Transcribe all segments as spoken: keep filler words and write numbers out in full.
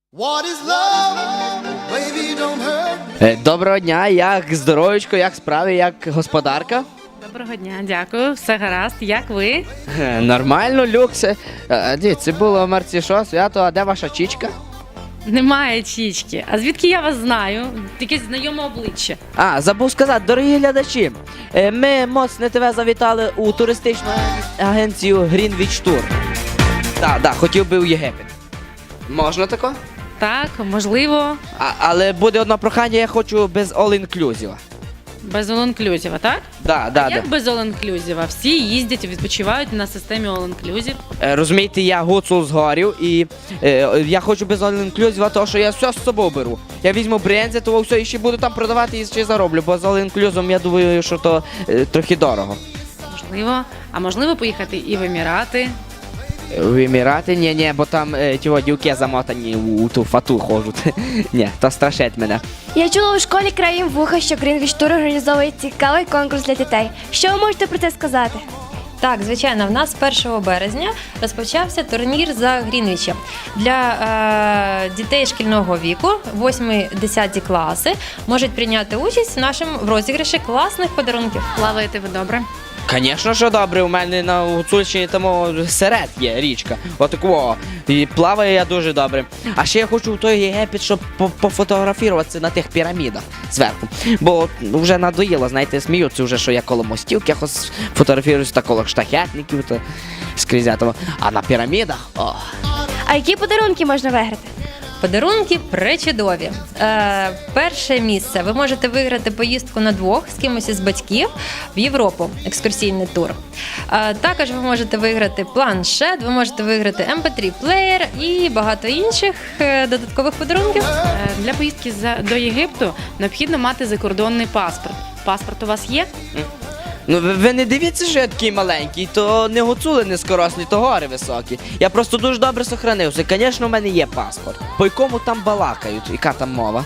What is love? Baby, don't hurt me. Е, Доброго дня, як здоровечко, як справи, як господарка? Доброго дня, дякую, все гаразд. Як ви? Е, Нормально, люкс. Е, ді, це було в марці що, свято, а де ваша чічка? Немає чічки. А звідки я вас знаю? Якесь знайоме обличчя. А, забув сказати, дорогі глядачі, е, ми моцне тебе завітали у туристичну агенцію Greenwich Tour. Так, так, хотів би у Єгипет. Можна тако? Так, можливо, А, але буде одне прохання, я хочу без all-inclusive. без all-inclusive, так? Да, да, да. Як без all-inclusive? Всі їздять, відпочивають на системі all-inclusive. Е, Розумієте, я гуцул з горів і е, я хочу без all-inclusive, тому що я все з собою беру. Я візьму брензи, то все і ще буду там продавати і ще зароблю, бо з all-inclusive я думаю, що то е, трохи дорого. Можливо. А можливо поїхати і в Емірати. В Емірати? Ні, ні, бо там е, ті дівки замотані у, у ту фату ходять. Ні, то страшить мене. Я чула у школі краєм вуха, що Greenwich Tour організовує цікавий конкурс для дітей. Що ви можете про це сказати? Так, звичайно, в нас першого березня розпочався турнір за Грінвічем. Для е, дітей шкільного віку, восьмі-десяті класи, можуть прийняти участь в нашому в розіграші класних подарунків. Плаваєте ви добре? Звісно, що добре, у мене на Гуцульщині там серед є річка. Отакого. І плаваю я дуже добре. А ще я хочу в той Єгипет, щоб по- пофотографуватися на тих пірамідах зверху. Бо вже надоїло, знаєте, сміються вже, що я коло мостів якось фотографіруюся, та коло штахетників, та скрізь этого. А на пірамідах, о. А які подарунки можна виграти? Подарунки пречудові. Е, перше місце ви можете виграти поїздку на двох з кимось із батьків в Європу, екскурсійний тур. Е, також ви можете виграти планшет, ви можете виграти ем пі три плеєр і багато інших е, додаткових подарунків. Е, Для поїздки за- до Єгипту необхідно мати закордонний паспорт. Паспорт у вас є? Ну ви, ви не дивіться, що я такий маленький, то не гуцули низкорослі, то гори високі. Я просто дуже добре сохранився. Звісно, у мене є паспорт. По якому там балакають, яка там мова?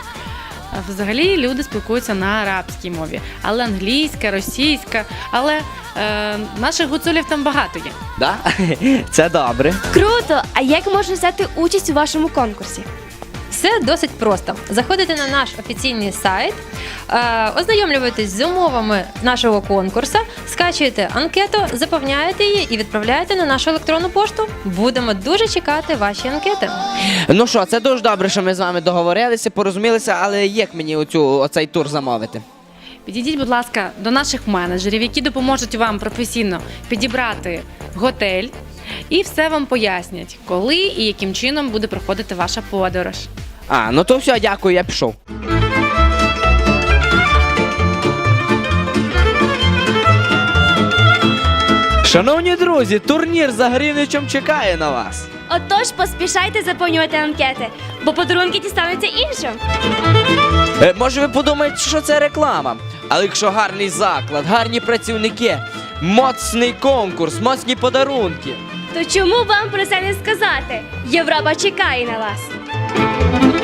А Взагалі люди спілкуються на арабській мові, але англійська, російська, але е, наших гуцулів там багато є. Да? Це добре. Круто! А як можна взяти участь у вашому конкурсі? Все досить просто. Заходите на наш офіційний сайт, е, ознайомлюєтесь з умовами нашого конкурсу, скачуєте анкету, заповняєте її і відправляєте на нашу електронну пошту. Будемо дуже чекати ваші анкети. Ну що, це дуже добре, що ми з вами договорилися, порозумілися, але як мені оцю, оцей тур замовити? Підійдіть, будь ласка, до наших менеджерів, які допоможуть вам професійно підібрати готель і все вам пояснять, коли і яким чином буде проходити ваша подорож. А, ну то все, дякую, я пішов. Шановні друзі, турнір за Грінвічем чекає на вас. Отож, поспішайте заповнювати анкети, бо подарунки дістануться іншим. Е, може ви подумаєте, що це реклама? Але якщо гарний заклад, гарні працівники, моцний конкурс, моцні подарунки. То чому вам про це не сказати? Європа чекає на вас.